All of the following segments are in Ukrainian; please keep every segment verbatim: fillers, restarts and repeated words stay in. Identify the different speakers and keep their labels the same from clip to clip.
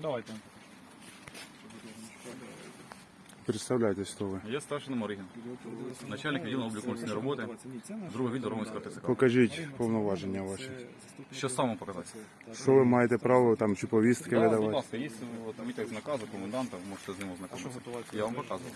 Speaker 1: Давайте.
Speaker 2: Представляйтесь, хто ви.
Speaker 1: Я старший Моригін. Начальник відділу обліку конституційної роботи, другого відділу Романського ТЦК.
Speaker 2: Покажіть повноваження ваші.
Speaker 1: Що саме показати?
Speaker 2: Що ви маєте право там чи повістки
Speaker 1: Да, будь
Speaker 2: видавати?
Speaker 1: ласка, є от, витяг з наказу коменданта, ви можете з ним ознакомитися. Я вам показував.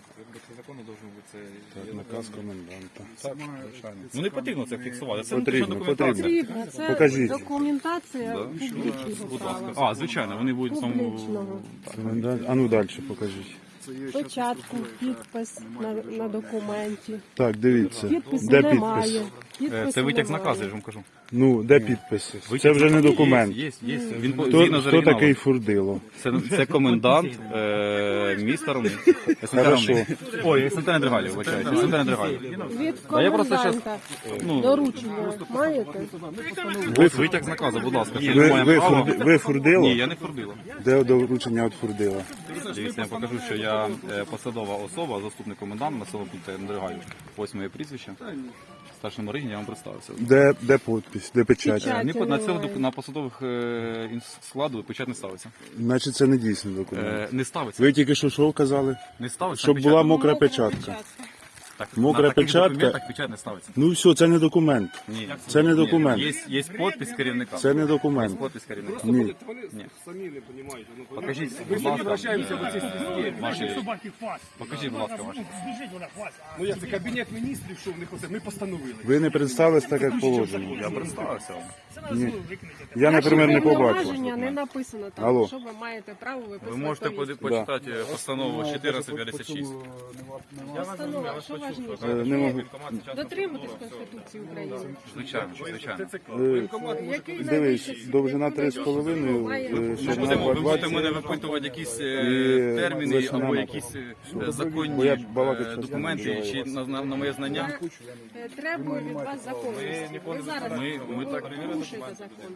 Speaker 2: Так, наказ коменданта.
Speaker 1: Так, звичайно. Ну не потрібно це фіксувати. Це
Speaker 2: Потрібно,
Speaker 1: не документація.
Speaker 2: потрібно.
Speaker 3: Це
Speaker 2: Покажіть.
Speaker 3: документація
Speaker 1: Да.
Speaker 3: публічного
Speaker 1: Будь ласка.
Speaker 3: права.
Speaker 1: А, звичайно, вони будуть там...
Speaker 3: Публічного.
Speaker 2: Комендант. А ну далі покажіть.
Speaker 3: Печатку, підпис на, на документі.
Speaker 2: Так, дивіться.
Speaker 3: Підпису
Speaker 2: Де
Speaker 3: немає.
Speaker 2: підпис?
Speaker 1: Е,
Speaker 3: Підпису
Speaker 1: Це витяг з
Speaker 3: немає.
Speaker 1: наказу, я ж вам кажу.
Speaker 2: Ну, де підпис?
Speaker 1: Витяг
Speaker 2: Це
Speaker 1: з
Speaker 2: вже не
Speaker 1: наказу.
Speaker 2: документ.
Speaker 1: Є, є, є. Він по-
Speaker 2: Хто,
Speaker 1: згідно з
Speaker 2: хто
Speaker 1: оригіналом.
Speaker 2: такий Фурдило?
Speaker 1: Це, це комендант е, міста Ромни.
Speaker 2: Хорошо.
Speaker 1: Ой, СНТ Недригалів, вибачайте. СНТ Недригалів.
Speaker 3: Від
Speaker 1: А я просто щас-
Speaker 3: коменданта
Speaker 1: ну,
Speaker 3: доручення маєте?
Speaker 1: Ось витяг з наказу, будь ласка. Що
Speaker 2: Ви,
Speaker 1: ми маємо
Speaker 2: ви,
Speaker 1: право.
Speaker 2: Фурди- ви Фурдило?
Speaker 1: Ні, я не Фурдило.
Speaker 2: Де доручення від Фурдила?
Speaker 1: Дивіться, я покажу, що я е, посадова особа, заступник коменданта населеного пункту Недригалів. Ось моє прізвище. Старший Моригін, я вам представився.
Speaker 2: Де, де підпис? Де печать?
Speaker 3: Печать.
Speaker 1: Е, ні, На, цього,
Speaker 3: немає.
Speaker 1: на посадових е, інс- складу печать не ставиться.
Speaker 2: Значить, це не дійсний документ.
Speaker 1: Е, не ставиться.
Speaker 2: Ви тільки що що казали?
Speaker 1: Не ставиться
Speaker 2: Щоб
Speaker 1: печать.
Speaker 2: була мокра печатка.
Speaker 1: Так,
Speaker 2: мокра
Speaker 1: на таких
Speaker 2: печатка.
Speaker 1: документах печать не ставиться.
Speaker 2: Ну все, це не документ.
Speaker 1: Ні.
Speaker 2: Це не
Speaker 1: Ні.
Speaker 2: документ.
Speaker 1: Є, є підпис керівника.
Speaker 2: Це не документ.
Speaker 1: Є підпис керівника.
Speaker 2: Ні.
Speaker 1: Ні.
Speaker 4: Самі не розумієте. Ну,
Speaker 1: Покажіть, будь ласка,
Speaker 4: обращаємося до цих систем.
Speaker 1: ваші...
Speaker 5: Собаки фас.
Speaker 1: Покажіть, будь ласка, ваші.
Speaker 5: Збіжить вона фас.
Speaker 4: Ну як це кабінет міністрів, що в них оце? Ми постановили.
Speaker 2: Ви не представились так, як положено.
Speaker 1: Я представився вам.
Speaker 2: Ні. Я, наприклад, не побачив.
Speaker 3: Повноваження не написано там,
Speaker 2: Алло.
Speaker 3: що ви маєте право виписувати
Speaker 1: Ви можете
Speaker 3: повістку.
Speaker 1: поди- почитати постанову чотирнадцять п'ятдесят шість.
Speaker 3: Постанова, що важливо?
Speaker 2: Е, Не можу.
Speaker 3: Дотримуватись Конституції України.
Speaker 1: Звичайно, звичайно.
Speaker 2: Е,
Speaker 3: Який
Speaker 2: Дивись,
Speaker 3: найвищий
Speaker 2: довжина
Speaker 3: суд
Speaker 2: три з половиною,
Speaker 3: має-
Speaker 2: е,
Speaker 1: Ви
Speaker 2: ширина
Speaker 1: будете, ви будете
Speaker 2: двадцять.
Speaker 1: мене випитувати якісь е,
Speaker 2: І
Speaker 1: терміни
Speaker 2: висина
Speaker 1: або
Speaker 2: на-
Speaker 1: якісь е,
Speaker 2: Бо
Speaker 1: законні
Speaker 2: я
Speaker 1: е,
Speaker 2: балакати щас не
Speaker 1: документи
Speaker 2: буду.
Speaker 1: чи на, на, на моє знання.
Speaker 3: Е, Требує від вас законності. Ви зараз
Speaker 1: Ми, ми так
Speaker 3: порушуєте закон.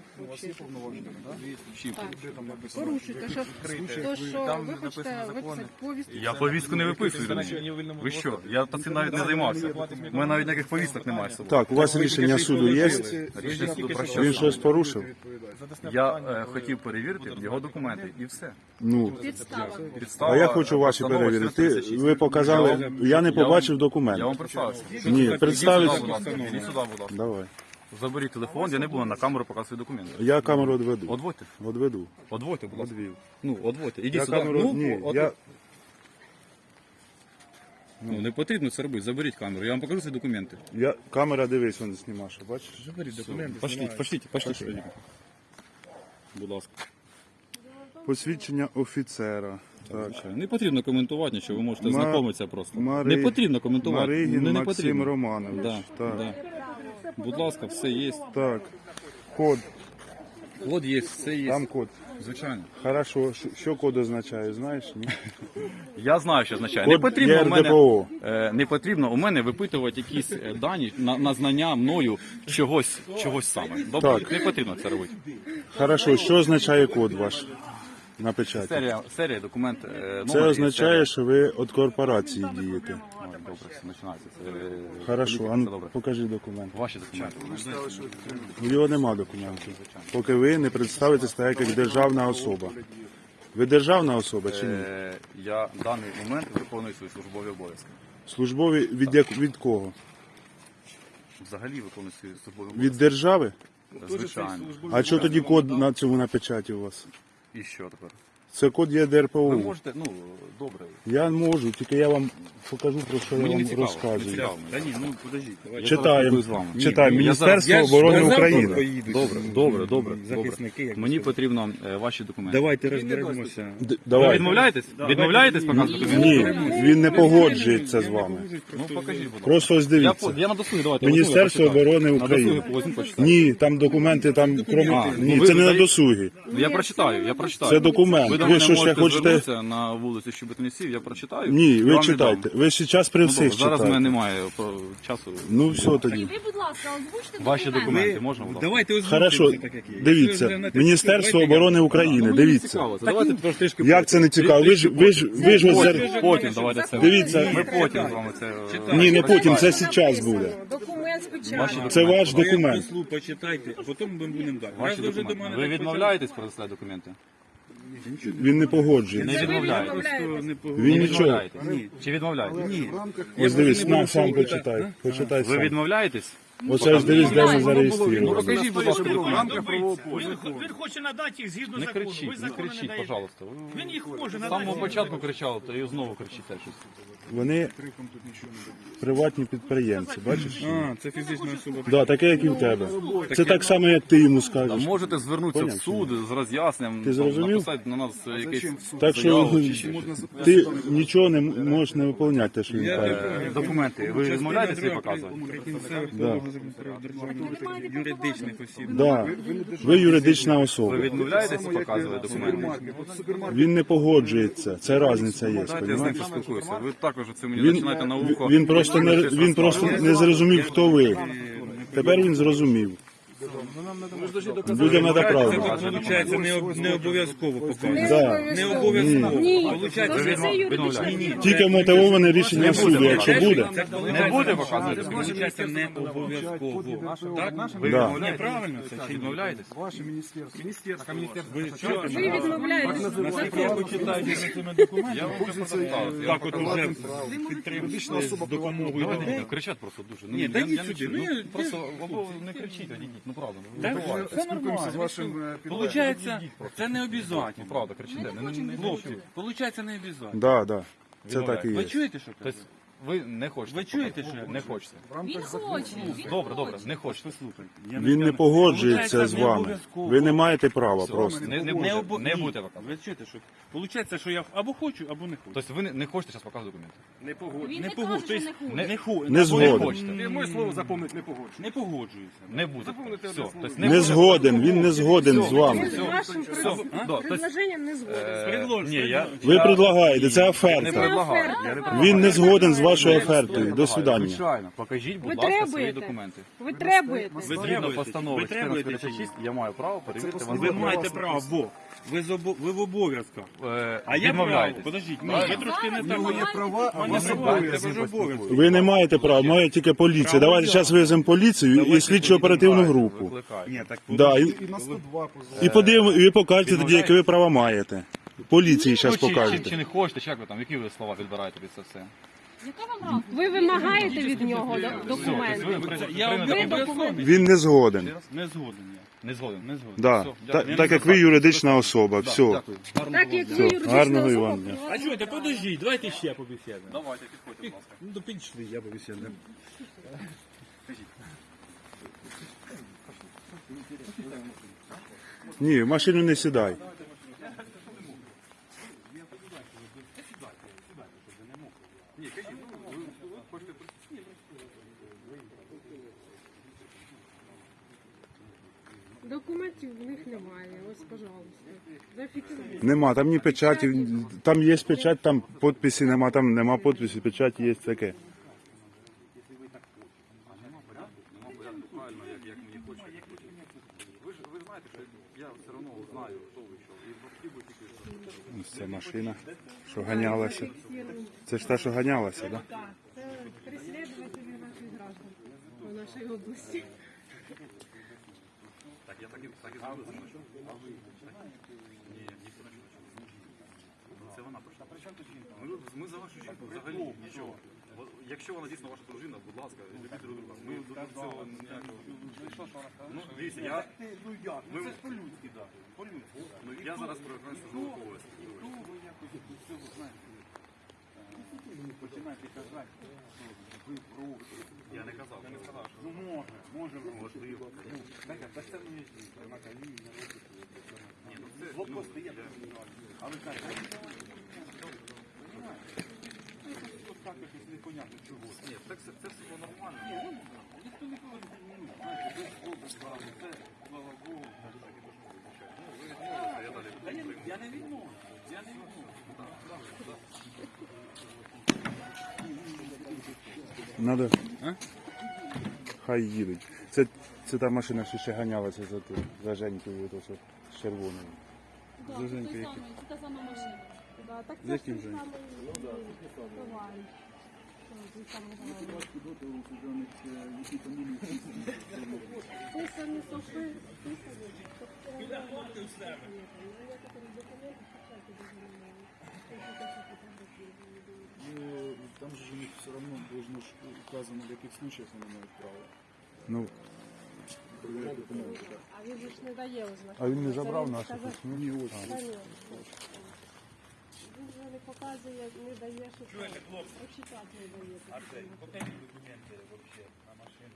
Speaker 3: Так, порушуєте, що, то, що ви хочете виписати повістку.
Speaker 1: Я повістку не виписую. друзі. Ви що? Я цим навіть не займався. У мене навіть ніяких повісток немає з собою.
Speaker 2: Так, у вас рішення суду є?
Speaker 1: Рішення суду про що?
Speaker 2: Він щось порушив?
Speaker 1: Я е, хотів перевірити його документи і все.
Speaker 2: Ну,
Speaker 3: Підстава.
Speaker 1: Підстава,
Speaker 2: а я хочу ваші
Speaker 1: постанова
Speaker 2: перевірити.
Speaker 1: чотирнадцять тридцять шість.
Speaker 2: Ви показали, я не побачив
Speaker 1: Я
Speaker 2: документ.
Speaker 1: вам представився.
Speaker 2: Ні,
Speaker 1: Ідіть
Speaker 2: представить.
Speaker 1: сюди, будь ласка. Ідіть сюди, будь ласка.
Speaker 2: Давай.
Speaker 1: Заберіть телефон, я не буду на камеру показувати свої документи.
Speaker 2: Я камеру одведу.
Speaker 1: Одводьте.
Speaker 2: Одведу.
Speaker 1: Одводьте, будь ласка. Ну, одводьте. Ідіть
Speaker 2: Я
Speaker 1: сюди.
Speaker 2: камеру,
Speaker 1: Ну,
Speaker 2: ні,
Speaker 1: от-
Speaker 2: я,
Speaker 1: Ну, не потрібно це робити. Заберіть камеру. Я вам покажу свої документи.
Speaker 2: я, камера, дивись, він знімає, бачиш?
Speaker 1: Заберіть документи. Пошліть, пошліть, пошліть. Будь ласка.
Speaker 2: Посвідчення офіцера. Так.
Speaker 1: Звичайно. Не потрібно коментувати нічого, ви можете
Speaker 2: Ма-
Speaker 1: знайомитися просто.
Speaker 2: Мари-
Speaker 1: Не потрібно коментувати.
Speaker 2: Маригін
Speaker 1: не, не
Speaker 2: Максим
Speaker 1: потрібно.
Speaker 2: Романович.
Speaker 1: Да,
Speaker 2: Так.
Speaker 1: да. Будь ласка, все є.
Speaker 2: Так. Код.
Speaker 1: Код є, все є.
Speaker 2: Там код.
Speaker 1: Звичайно.
Speaker 2: Хорошо. Що- Що код означає, знаєш? Ні?
Speaker 1: Я знаю, що означає.
Speaker 2: Код
Speaker 1: Не потрібно у мене,
Speaker 2: ЄРДПО.
Speaker 1: е, не потрібно у мене випитувати якісь е, дані на, на знання мною чогось, чогось саме. Добре,
Speaker 2: Так.
Speaker 1: не потрібно це робити.
Speaker 2: Хорошо. Що означає код ваш на печаті?
Speaker 1: Серія, серія документ. е,
Speaker 2: Це
Speaker 1: номер і
Speaker 2: означає,
Speaker 1: серія.
Speaker 2: що ви від корпорації дієте.
Speaker 1: Ой, добре, все починається. Це, е,
Speaker 2: Хорошо,
Speaker 1: політика,
Speaker 2: а
Speaker 1: це
Speaker 2: ну
Speaker 1: добре.
Speaker 2: покажи документ.
Speaker 1: Ваші документи.
Speaker 2: У нього нема документів. Поки ви не представитесь так, як державна особа. Ви державна особа чи ні?
Speaker 1: Е, Я в даний момент виконую свої службові обов'язки.
Speaker 2: Службові від, як, від кого?
Speaker 1: Взагалі виконую свої службові
Speaker 2: Від
Speaker 1: обов'язки.
Speaker 2: держави?
Speaker 1: Звичайно.
Speaker 2: А що тоді код на цьому на печаті у вас?
Speaker 1: І що тепер?
Speaker 2: Це код є
Speaker 1: Ви
Speaker 2: ДРПО.
Speaker 1: можете, ну, добре.
Speaker 2: Я можу, тільки я вам покажу, про що я
Speaker 1: Мені не
Speaker 2: вам
Speaker 1: цікаво. Не
Speaker 2: розказую.
Speaker 1: цікаво. Та ні, ну подождіть. Я зараз
Speaker 2: Читаємо.
Speaker 1: спілкуюсь з вами. Ні,
Speaker 2: Читаємо.
Speaker 1: ні, я зараз-
Speaker 2: Міністерство
Speaker 1: я ж-
Speaker 2: оборони
Speaker 1: я завтра
Speaker 2: України.
Speaker 1: поїду. Добре, добре, добре.
Speaker 6: захисники,
Speaker 1: добре.
Speaker 6: як
Speaker 1: Мені
Speaker 6: ви
Speaker 1: потрібно е, ваші документи.
Speaker 6: Давайте розберемося.
Speaker 2: Д-
Speaker 1: Ви
Speaker 2: Давай.
Speaker 1: відмовляєтесь? Відмовляєтесь показувати документи?
Speaker 2: Ні, він не погоджується з вами.
Speaker 1: Ну покажіть, будь ласка.
Speaker 2: Просто ось
Speaker 1: Я,
Speaker 2: дивіться.
Speaker 1: по- я на досугі, давайте.
Speaker 2: Міністерство
Speaker 1: я почитаю.
Speaker 2: оборони
Speaker 1: На
Speaker 2: України.
Speaker 1: досугі возьму, почитаю.
Speaker 2: Ні, там документи, там крім...
Speaker 1: А,
Speaker 2: Ні,
Speaker 1: ну ви
Speaker 2: це не на
Speaker 1: даєте-
Speaker 2: досугі.
Speaker 1: Ну, я прочитаю, я прочитаю.
Speaker 2: Це документ.
Speaker 1: Ви до
Speaker 2: Ви
Speaker 1: мене
Speaker 2: що ще
Speaker 1: можете
Speaker 2: хочете?
Speaker 1: звернутися на вулиці Щебетинців, я прочитаю.
Speaker 2: Ні,
Speaker 1: я
Speaker 2: ви
Speaker 1: вам
Speaker 2: читайте.
Speaker 1: віддам.
Speaker 2: Ви зараз при
Speaker 1: Ну,
Speaker 2: всіх
Speaker 1: добре, зараз в мене
Speaker 2: читаєте.
Speaker 1: немає про- часу.
Speaker 2: Ну все тоді.
Speaker 7: Ви, будь ласка, озвучте
Speaker 1: Ваші
Speaker 7: документи.
Speaker 1: документи можна? будь ласка?
Speaker 6: Давайте озвучимо
Speaker 2: Хорошо,
Speaker 6: це так, як є. Якщо
Speaker 2: дивіться.
Speaker 6: вже на те,
Speaker 2: Міністерство
Speaker 6: давайте я-
Speaker 2: оборони
Speaker 1: Ну,
Speaker 2: України,
Speaker 1: мені не
Speaker 2: дивіться.
Speaker 1: цікаво. Це Давайте трішки
Speaker 2: Як це не цікаво? Ви ж, ви ж, ви ж ось
Speaker 1: потім,
Speaker 2: зар-
Speaker 1: потім давайте це.
Speaker 2: Дивіться.
Speaker 1: Ми потім з вами це. е,
Speaker 2: Ні, не потім, це
Speaker 1: прочитаємо.
Speaker 2: зараз буде.
Speaker 3: Документ з печаткою.
Speaker 2: Це ваш
Speaker 6: Ви
Speaker 2: документ.
Speaker 6: послу почитайте, а потім ми будемо далі.
Speaker 1: Ваші
Speaker 6: Раз ви вже до
Speaker 1: документи.
Speaker 6: мене
Speaker 1: Ви
Speaker 6: так
Speaker 1: відмовляєтесь предоставляти документи?
Speaker 2: Він не погоджується.
Speaker 1: Не відмовляєтесь.
Speaker 2: Він
Speaker 1: Не
Speaker 2: нічого.
Speaker 1: відмовляєтесь? Чи відмовляєтесь? Ні.
Speaker 2: Ось дивись, на, сам почитай. Почитай
Speaker 1: Ви
Speaker 2: сам.
Speaker 1: відмовляєтесь?
Speaker 2: Оце ось дивись, де ми
Speaker 1: Ну
Speaker 2: зареєстровані.
Speaker 1: покажіть, будь ласка,
Speaker 5: Він,
Speaker 1: документи.
Speaker 5: він хоче надати їх згідно
Speaker 1: Не
Speaker 5: закону. Ви
Speaker 1: кричіть, не
Speaker 5: закону не
Speaker 1: кричіть,
Speaker 5: даєте.
Speaker 1: пожалуйста. Ви
Speaker 5: Він їх може
Speaker 1: з
Speaker 5: надати.
Speaker 1: самого початку кричали, то і знову кричите щось.
Speaker 2: Вони приватні підприємці, бачиш?
Speaker 6: А, це фізична особа.
Speaker 2: Да, таке, як і в тебе. Це так само, як ти йому
Speaker 1: Та
Speaker 2: скажеш.
Speaker 1: можете звернутися в
Speaker 2: Поняв,
Speaker 1: суд з роз'ясненням,
Speaker 2: Ти
Speaker 1: там,
Speaker 2: зрозумів?
Speaker 1: написати на нас якесь
Speaker 2: Так що
Speaker 1: заяву чи ще щось.
Speaker 2: ти нічого не можеш не виконувати, те, що він каже.
Speaker 1: Е, Документи. Ви відмовляєтесь їх показувати?
Speaker 2: Да.
Speaker 6: Юридичних осіб.
Speaker 2: Да. Ви юридична
Speaker 1: Ви
Speaker 2: особа.
Speaker 1: відмовляєтесь показувати документи?
Speaker 2: Він не погоджується. Це різниця є.
Speaker 1: Дайте я з ним
Speaker 2: Понімаєш?
Speaker 1: поспілкуюся. Ви також це мені
Speaker 2: Він,
Speaker 1: починаєте на ухо.
Speaker 2: він просто не він просто не зрозумів, хто ви. Тепер він зрозумів. Людям треба правду.
Speaker 6: Виходить, не, об- не обов'язково показувати.
Speaker 2: Да.
Speaker 6: Не обов'язково.
Speaker 3: Ні,
Speaker 6: Получається,
Speaker 3: це
Speaker 6: ви
Speaker 3: все юридичне.
Speaker 1: відмовляєте.
Speaker 2: Тільки мотивоване рішення суду, якщо буде.
Speaker 1: Не буде показувати?
Speaker 6: Получається, не обов'язково. Так?
Speaker 1: Ви
Speaker 2: Да.
Speaker 1: відмовляєтесь?
Speaker 6: Неправильно це чи ні?
Speaker 1: Відмовляєтесь?
Speaker 4: Ваше міністерство. Міністерство.
Speaker 6: Ви що?
Speaker 3: Ви відмовляєтесь.
Speaker 6: Наскільки ви читаєте за цими документами?
Speaker 1: Я вам вже представив.
Speaker 6: Так от уже підтримуєте з допомогою людей.
Speaker 1: Ну, кричать просто дуже. Ну,
Speaker 6: Ні,
Speaker 1: я-
Speaker 6: та йдіть
Speaker 1: я не
Speaker 6: сюди.
Speaker 1: чую.
Speaker 6: Ну, я-
Speaker 1: Просто або не кричіть, одійдіть, ну правда. Ну,
Speaker 6: Так,
Speaker 1: буває.
Speaker 6: все нормально.
Speaker 4: з вашим е,
Speaker 6: Получається, це не
Speaker 1: Ну,
Speaker 6: обов'язково.
Speaker 1: правда, кричите. Не, не, не,
Speaker 6: Хлопці, получається не обов'язково.
Speaker 2: Да, да. Це так і
Speaker 6: Ви
Speaker 2: є.
Speaker 6: чуєте, що
Speaker 1: Тобто
Speaker 6: кажу?
Speaker 1: ви не хочете.
Speaker 6: Ви чуєте,
Speaker 1: показати?
Speaker 6: що?
Speaker 1: Не хочете.
Speaker 7: Він хоче. Він
Speaker 1: Добре, добре,
Speaker 7: хоче.
Speaker 1: не хочете.
Speaker 6: Слухайте.
Speaker 2: Він не погоджується з вами. Ви не маєте права просто.
Speaker 1: Не, не,
Speaker 6: Не,
Speaker 1: буде,
Speaker 6: обо...
Speaker 1: не
Speaker 6: Ні.
Speaker 1: будете показувати.
Speaker 6: Ви чуєте, що получається, що я або хочу, або не хочу.
Speaker 1: Тобто ви не, не хочете зараз показувати документи?
Speaker 4: Не погоджується.
Speaker 7: Він
Speaker 6: Не
Speaker 7: не
Speaker 6: погоджу.
Speaker 7: каже, що
Speaker 6: Тобто
Speaker 7: не хоче.
Speaker 6: не, ху...
Speaker 2: Не
Speaker 6: або
Speaker 2: згоден.
Speaker 1: хочете.
Speaker 4: Ти моє слово запомнити не погоджується.
Speaker 6: Не погоджуюся.
Speaker 1: Не буде.
Speaker 4: Запомните
Speaker 1: Все.
Speaker 4: одне слово.
Speaker 1: Тобто
Speaker 2: Не
Speaker 1: буде.
Speaker 2: згоден, він не згоден з вами.
Speaker 3: З вашим
Speaker 1: Все. Да, тобто,
Speaker 3: предложенням не згоден.
Speaker 1: е, ні, я,
Speaker 2: Ви
Speaker 1: я
Speaker 2: предлагаєте, це
Speaker 1: не
Speaker 2: оферта.
Speaker 1: предлагаю. Я не предлагаю.
Speaker 2: Він не згоден з вашою
Speaker 1: Я не
Speaker 2: офертою. До
Speaker 1: предлагаю.
Speaker 2: свидання.
Speaker 1: Звичайно. Покажіть, будь
Speaker 3: Ви
Speaker 1: ласка, свої
Speaker 3: требуєте?
Speaker 1: документи.
Speaker 3: Ви требуєте.
Speaker 6: Ви
Speaker 1: Згідно
Speaker 6: требуєте?
Speaker 1: постанови
Speaker 6: Ви требуєте чи ні?
Speaker 1: чотирнадцять п'ятдесят шість я маю право перевірити вам.
Speaker 6: Ви маєте право, бо ви, з обо... ви в обов'язках.
Speaker 1: Е,
Speaker 6: А я право.
Speaker 1: відмовляєтесь.
Speaker 6: Подождіть, ні, ви трошки не так.
Speaker 7: є
Speaker 4: права, а
Speaker 6: У
Speaker 4: вас
Speaker 6: мене
Speaker 4: обов'язки.
Speaker 6: ви ж обов'язки.
Speaker 2: Ви не маєте права, має тільки поліція. Давайте зараз вивеземо поліцію і слідчо оперативну групу.
Speaker 1: Викликайте.
Speaker 6: Ні, так
Speaker 2: Да, і,
Speaker 4: І на сто два позов.
Speaker 2: і подивимо, і ви покажете тоді, які ви права маєте. Поліції
Speaker 1: Ну,
Speaker 2: зараз
Speaker 1: чи, чи, чи
Speaker 2: покажете.
Speaker 1: не хочете, чи як ви там, які ви слова підбираєте під це все?
Speaker 7: Яка вам разниця?
Speaker 3: Ви вимагаєте від нього до-
Speaker 1: Тобто ви
Speaker 3: документи.
Speaker 1: при-
Speaker 6: Я
Speaker 1: приймете
Speaker 6: ви
Speaker 1: документи?
Speaker 6: документи.
Speaker 2: Він не згоден.
Speaker 6: Не згоден я.
Speaker 1: Не згоден.
Speaker 6: Не згоден.
Speaker 2: Да.
Speaker 1: Все,
Speaker 2: Та-
Speaker 1: дякую.
Speaker 2: Так як ви юридична особа,
Speaker 1: Да,
Speaker 2: все.
Speaker 1: дякую. Гарного
Speaker 3: Так
Speaker 1: вам
Speaker 3: як
Speaker 1: дня.
Speaker 3: ви
Speaker 2: Все,
Speaker 3: юридична
Speaker 2: гарного і
Speaker 3: особа,
Speaker 2: вам дня.
Speaker 6: А чуєте, подождіть, давайте ще побесідемо.
Speaker 1: Давайте, підходьте, будь ласка.
Speaker 6: Ну, то підійшли, я побесідемо.
Speaker 2: Ні, в машину не сідай.
Speaker 3: Документів в них немає. Ось, пожалуйста. Зафіксуйте.
Speaker 2: Нема, там ні печаті, там є печать, там підписи нема, там нема підписів, печать є таке.
Speaker 1: Правильно, як, як мені хочеться. Ви ж ви знаєте, що я все одно знаю, хто ви що. І хотів би тільки.
Speaker 2: Ось ця машина, що ганялася. Це ж та, що ганялася, так? Да?
Speaker 3: Це переслідувателі наших граждан у нашій області.
Speaker 1: Так, я так і так і зробив. Ні, ніхто не чув. Це вона прийшла. При чому тут жінка? Ми, ми за вашу жінку взагалі нічого. Бо Якщо вона дійсно ваша дружина, будь ласка, любіть друг друга. Ми до цього ніякого. Ну, дивіться, я... Ми... Це ж по-людськи, так. По-людськи. Ну, я зараз переконаю службових обов'язків.
Speaker 6: Починайте казати, що ви робите.
Speaker 1: Я не казав, не сказав, що...
Speaker 6: Ну може, може робити.
Speaker 1: Можливо.
Speaker 6: Так, так це мені жінка, на коліні, на руки.
Speaker 1: Ні, ну це...
Speaker 6: Блокпости є. А ви кажете, тут так якось непонятно чого.
Speaker 1: Ні, так це, це все нормально.
Speaker 6: Ніхто не повинен, ну, знаєте, без Бога справи, це, слава Богу. Та я, я не відмовлю, я не відмовлю.
Speaker 2: Надо. Хай їдуть. Це, це та машина, що ще ганялася за ту, за Женькою, то, що з червоною.
Speaker 7: Да, це той самий, це та сама машина.
Speaker 3: Да, так
Speaker 6: З яким же?
Speaker 3: Це самі сошли.
Speaker 5: себе.
Speaker 4: Ну, там же у них все равно должно ж указано, в яких случаях вони мають право.
Speaker 2: Ну,
Speaker 4: Перевіряти документи, так.
Speaker 3: А він же ж не дає ознак.
Speaker 2: а він не
Speaker 3: Це
Speaker 2: забрав
Speaker 3: він
Speaker 2: наші
Speaker 3: сказав,
Speaker 2: письмо?
Speaker 4: Ні, ось.
Speaker 3: Конечно. Він же не показує, не дає, що
Speaker 5: Чуєте, хлопці?
Speaker 3: прочитати не дає.
Speaker 5: А це, покажіть документи вообще на машину.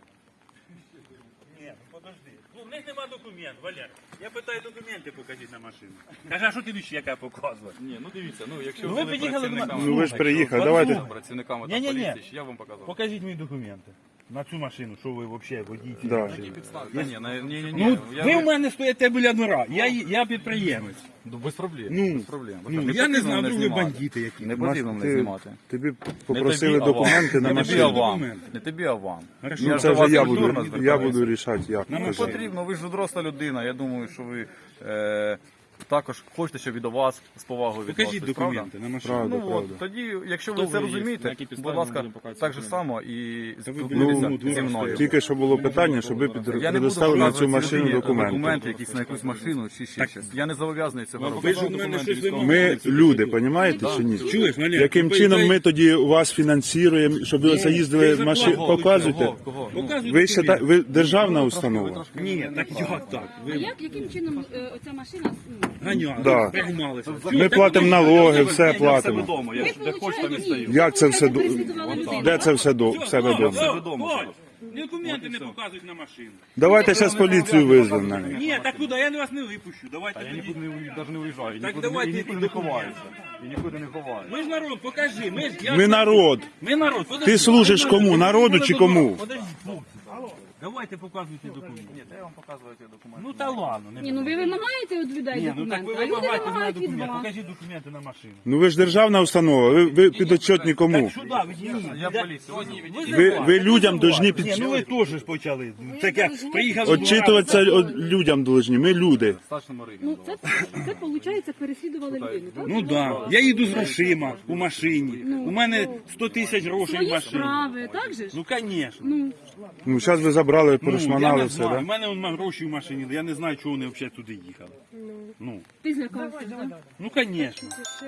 Speaker 5: Ні, ну подожди. Ну, в них нема документів, Валер. Я питаю, документи покажіть на машину. Каже, а що ти ще яка показувати?
Speaker 1: Ні, ну дивіться, ну якщо
Speaker 5: Ну, ви
Speaker 1: були
Speaker 5: під'їхали до
Speaker 1: працівниками-
Speaker 5: мене.
Speaker 2: Ну ви ж приїхали,
Speaker 5: От
Speaker 2: давайте.
Speaker 5: ну.
Speaker 1: працівниками
Speaker 5: Ні, ні, ні.
Speaker 1: поліції, я вам показав.
Speaker 5: Покажіть мені документи. На цю машину, що ви взагалі водій цієї
Speaker 2: Да.
Speaker 5: машини.
Speaker 1: Та ні, на- ні, ні, ні.
Speaker 5: Ну,
Speaker 1: я
Speaker 5: ви в мене стоїте біля двора, я, я підприємець.
Speaker 1: Ну, без проблем.
Speaker 5: Ну,
Speaker 1: без проблем.
Speaker 5: Ну,
Speaker 1: Не
Speaker 5: я не
Speaker 1: потрібно
Speaker 5: знаю,
Speaker 1: мене
Speaker 5: вдруг ви
Speaker 1: знімати.
Speaker 5: бандити які.
Speaker 1: Не
Speaker 2: Маш,
Speaker 1: потрібно мене
Speaker 2: ти-
Speaker 1: знімати.
Speaker 2: Тобі
Speaker 1: Не
Speaker 2: попросили
Speaker 1: тобі, а вам.
Speaker 2: документи на
Speaker 1: Не тобі, а
Speaker 2: машину.
Speaker 1: вам.
Speaker 5: Документи.
Speaker 1: Не тобі, а вам.
Speaker 5: Хорошо.
Speaker 1: Я
Speaker 2: Ну
Speaker 1: ж
Speaker 2: це
Speaker 1: до
Speaker 2: вже
Speaker 1: вас
Speaker 2: я
Speaker 1: культурно
Speaker 2: буду, я
Speaker 1: звертаюся.
Speaker 2: буду рішати, як.
Speaker 5: Нам
Speaker 1: Не
Speaker 2: Кажи.
Speaker 1: потрібно, ви ж доросла людина. Я думаю, що ви е, також хочете, щоб і до вас з повагою
Speaker 5: Покажіть
Speaker 1: відносились,
Speaker 5: документи
Speaker 1: правда?
Speaker 5: на машину.
Speaker 2: Правда,
Speaker 1: Ну
Speaker 2: правда.
Speaker 1: от, тоді, якщо
Speaker 5: Хто
Speaker 1: ви це
Speaker 5: ви є? На
Speaker 1: розумієте,
Speaker 5: якій підставі
Speaker 1: будь
Speaker 5: ми
Speaker 1: ласка,
Speaker 5: будемо показувати
Speaker 1: так же
Speaker 5: документи?
Speaker 1: само і
Speaker 5: Та ви
Speaker 1: спілкуйтеся
Speaker 5: ну,
Speaker 1: зі мною.
Speaker 2: Тільки що було питання, щоб ви під-
Speaker 1: Я не буду
Speaker 2: предоставили на цю
Speaker 1: показувати
Speaker 2: машину
Speaker 1: людині
Speaker 2: документи.
Speaker 1: документи якісь на якусь машину чи ще щось. Я не зобов'язаний цього
Speaker 5: Ви
Speaker 1: робити.
Speaker 5: ж у мене щось вимагаєте.
Speaker 2: Ми люди, розумієте чи ні?
Speaker 5: Чуєш, Валер?
Speaker 2: Яким
Speaker 5: ви-
Speaker 2: чином
Speaker 5: ви-
Speaker 2: ми тоді вас фінансуємо, щоб ви оце їздили
Speaker 5: ви
Speaker 2: машину,
Speaker 5: кого?
Speaker 2: показуєте?
Speaker 1: Кого? Кого? Ну,
Speaker 5: Показуй
Speaker 2: Ви
Speaker 5: документи.
Speaker 2: ще ви державна установа?
Speaker 5: Ні, так як так?
Speaker 7: А
Speaker 5: Ви
Speaker 7: як, яким чином е, оця машина ну,
Speaker 5: ганяли,
Speaker 2: Да.
Speaker 5: пригумалися.
Speaker 2: Ми платимо налоги, все
Speaker 1: Я
Speaker 2: платимо.
Speaker 1: вдома, я
Speaker 7: ви
Speaker 1: ж де хочу, там і
Speaker 7: получаєте
Speaker 1: стою.
Speaker 2: Як це все до
Speaker 7: переслідували людину?
Speaker 2: де це все до в себе
Speaker 5: Все,
Speaker 2: вдома?
Speaker 1: вдома.
Speaker 5: Документи не показують на машину.
Speaker 2: Давайте зараз поліцію визвемо на них.
Speaker 5: Ні, так куди? Я вас не випущу. Давайте
Speaker 1: Я
Speaker 5: тоді.
Speaker 1: нікуди не уї- навіть не уїжджаю,
Speaker 5: Так
Speaker 1: нікуди,
Speaker 5: давайте
Speaker 1: і нікуди не
Speaker 5: документи.
Speaker 1: ховаюся. І нікуди не ховаюся.
Speaker 5: Ми ж народ, покажи. Ми, ж, я
Speaker 2: Ми
Speaker 5: ж-
Speaker 2: народ.
Speaker 5: Ми народ. Подожди.
Speaker 2: Ти служиш кому? Народу чи кому?
Speaker 5: Подожди, хлопці. Давайте показуйте документи.
Speaker 1: Ні, я вам показую ці документи.
Speaker 5: Ну та ладно. Не
Speaker 7: Ні, ну ви вимагаєте від людей
Speaker 5: Ні, ну так
Speaker 7: документи,
Speaker 5: ви
Speaker 7: а люди
Speaker 5: вимагаєте з мене
Speaker 7: вимагають від
Speaker 5: документи.
Speaker 7: вас.
Speaker 5: Покажіть документи на машину.
Speaker 2: Ну ви ж державна установа, ви, ви підотчетні кому?
Speaker 5: Так сюди, відійдіть.
Speaker 1: Я поліцію.
Speaker 2: Ви, ви людям должні
Speaker 5: Ні,
Speaker 2: під...
Speaker 5: ну ви теж ж почали. Таке, приїхали.
Speaker 2: Отчитуватися от людям должні, ми люди.
Speaker 1: Старшому Ригі.
Speaker 7: Ну це, це виходить, переслідували людину, так?
Speaker 5: Ну так, да. Я їду з грошима у машині. У мене сто тисяч грошей в
Speaker 7: Свої
Speaker 5: машині.
Speaker 7: справи, так же ж?
Speaker 5: Ну, звісно.
Speaker 7: Ну,
Speaker 2: Ну зараз ви забрали,
Speaker 5: Ну, я
Speaker 2: перешманали
Speaker 5: не
Speaker 2: все,
Speaker 5: знаю. У
Speaker 2: да?
Speaker 5: мене вон гроші в машині, я не знаю, чого вони взагалі туди їхали. Ну,
Speaker 7: ти злякався, так?
Speaker 5: ну, звісно.
Speaker 3: Ще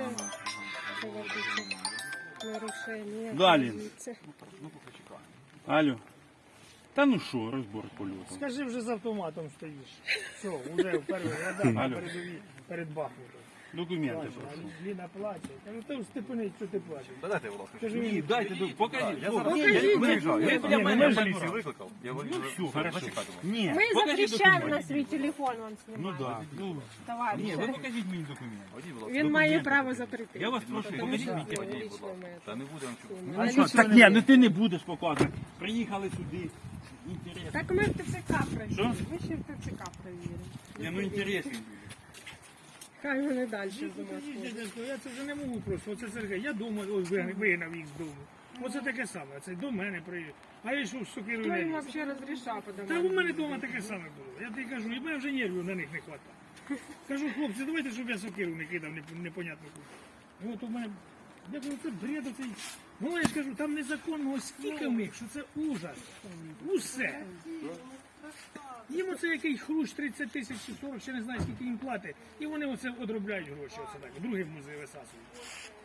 Speaker 3: нарушення.
Speaker 5: Далі.
Speaker 3: Це-
Speaker 5: Алло. Та ну що, розбор польоту.
Speaker 8: Скажи, вже з автоматом стоїш. Все, вже в першій рядах на передовій перед Бахмутом.
Speaker 5: Документи
Speaker 8: А
Speaker 5: прошу.
Speaker 8: Ліна плаче. Кажу, ти степенить, що ти плачеш.
Speaker 1: Дайте, будь ласка.
Speaker 8: Кажу,
Speaker 5: Ні, дайте, до- покажіть.
Speaker 1: Я
Speaker 5: хлопці.
Speaker 1: зараз я виїжджаю. Я,
Speaker 5: для
Speaker 1: я,
Speaker 5: мене
Speaker 1: я
Speaker 5: вже
Speaker 1: поліцію
Speaker 5: раз.
Speaker 1: викликав. Я
Speaker 5: Ну
Speaker 1: виїжджаю.
Speaker 5: все, хорошо.
Speaker 1: Зачекайте.
Speaker 5: Ні,
Speaker 3: Ми
Speaker 5: покажіть
Speaker 3: запрещаємо
Speaker 5: документи.
Speaker 3: на свій телефон вам
Speaker 5: Ну
Speaker 3: знімати.
Speaker 5: так. Ну, ні,
Speaker 3: Товариш.
Speaker 5: ви покажіть мені документи.
Speaker 1: Водій, будь ласка.
Speaker 3: Він має право закрити.
Speaker 5: Я вас прошу,
Speaker 3: Тому
Speaker 5: покажіть
Speaker 3: що
Speaker 5: мені.
Speaker 3: це
Speaker 1: Водій, будь
Speaker 3: лічне
Speaker 1: ласка.
Speaker 3: моє.
Speaker 1: Та не будемо чути.
Speaker 5: А що, так ні, ну ти не будеш показувати. Приїхали сюди. Інтересно.
Speaker 3: Так ми в ТЦК перевіримо.
Speaker 5: Що?
Speaker 3: Ми ще в ТЦК перевіримо.
Speaker 5: Ні, ну інтересно.
Speaker 3: Хай вони далі з ума
Speaker 8: Ні,
Speaker 3: сходять.
Speaker 8: дядько, я це вже не можу просто. Оце Сергій, я дома ось ви- вигнав їх з дому. Оце таке саме, це до мене приїхав. А я йшов з сокирою
Speaker 3: Хто
Speaker 8: на
Speaker 3: їм
Speaker 8: ліс.
Speaker 3: взагалі розрішав
Speaker 8: Та
Speaker 3: подавати?
Speaker 8: у мене вдома таке саме було. Я тобі кажу, і мене вже нервів на них не вистачає. Кажу, хлопці, давайте, щоб я сокиру не кидав неп- непонятно куди. І от у мене, я кажу, це бред оцей. Ну я ж кажу, там незаконного стільки в них, що це ужас. Усе. Їм оце який хрущ тридцять тисяч чи сорок, ще не знаю, скільки їм платить. І вони оце одробляють гроші, оце так. Другий в музей висасують.